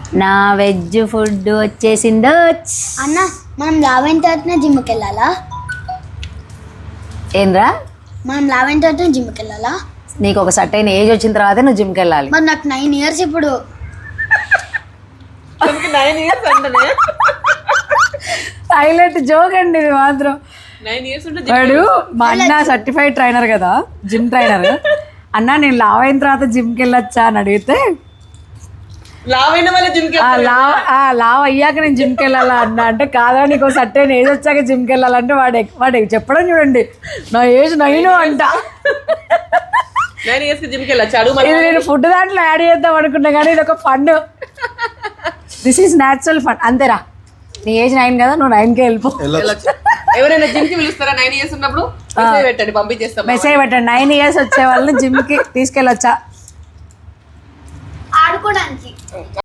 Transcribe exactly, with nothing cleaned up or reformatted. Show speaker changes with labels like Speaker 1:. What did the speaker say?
Speaker 1: నా veg food వచ్చేసిందో.
Speaker 2: అన్న మనం లావైన తర్వాతనే జిమ్కి వెళ్ళాలా?
Speaker 1: ఏంద్రా
Speaker 2: మనం లావైన తర్వాత జిమ్కి వెళ్ళాలా?
Speaker 1: నీకు ఒక సర్టైన్ ఏజ్ వచ్చిన తర్వాత నువ్వు జిమ్కి వెళ్ళాలి.
Speaker 2: మరి నాకు నైన్ ఇయర్స్ ఇప్పుడు.
Speaker 3: నైన్ ఇయర్స్ అంటే
Speaker 1: హైలైట్ జోక్ అండి ఇది మాత్రం.
Speaker 3: నైన్ ఇయర్స్ ఉంటే
Speaker 1: వాడు మా అన్న సర్టిఫైడ్ ట్రైనర్ కదా, జిమ్ ట్రైనర్. అన్న నేను లావ్ అయిన తర్వాత జిమ్కి వెళ్ళొచ్చా అని అడిగితే
Speaker 3: లావ్ అయిన వాళ్ళ జిమ్ కి
Speaker 1: ఆ లావ్ ఆ లావ్ అయ్యాక నేను జిమ్కి వెళ్ళాలా అన్న అంటే, కాదా నీకు సర్టైన్ ఏజ్ వచ్చాక జిమ్కి వెళ్ళాలంటే వాడు వాడు చెప్పడం చూడండి, నా ఏజ్ నైన్ అంట.
Speaker 3: నైన్ ఇయర్స్ కి జిమ్ కి వెళ్ళొచ్చు. అడుగు
Speaker 1: ఇది నేను ఫుడ్ దాంట్లో యాడ్ చేద్దాం అనుకున్నా కానీ ఇది ఒక fun. This is natural fun. అంతేరా, నీ ఏజ్ నైన్ కదా, నువ్వు నైన్కే వెళ్ళిపో.
Speaker 3: వెళ్ళొచ్చు. ఎవరైనా జిమ్ కి పిలుస్తారా నైన్ ఇయర్స్ ఉన్నప్పుడు? మెసేజ్ పెట్టండి, పంపించేస్తాం.
Speaker 1: మెసేజ్ పెట్టండి, నైన్ ఇయర్స్ వచ్చే వాళ్ళని జిమ్కి తీసుకెళ్ళొచ్చా
Speaker 2: ఆడుకోవడానికి.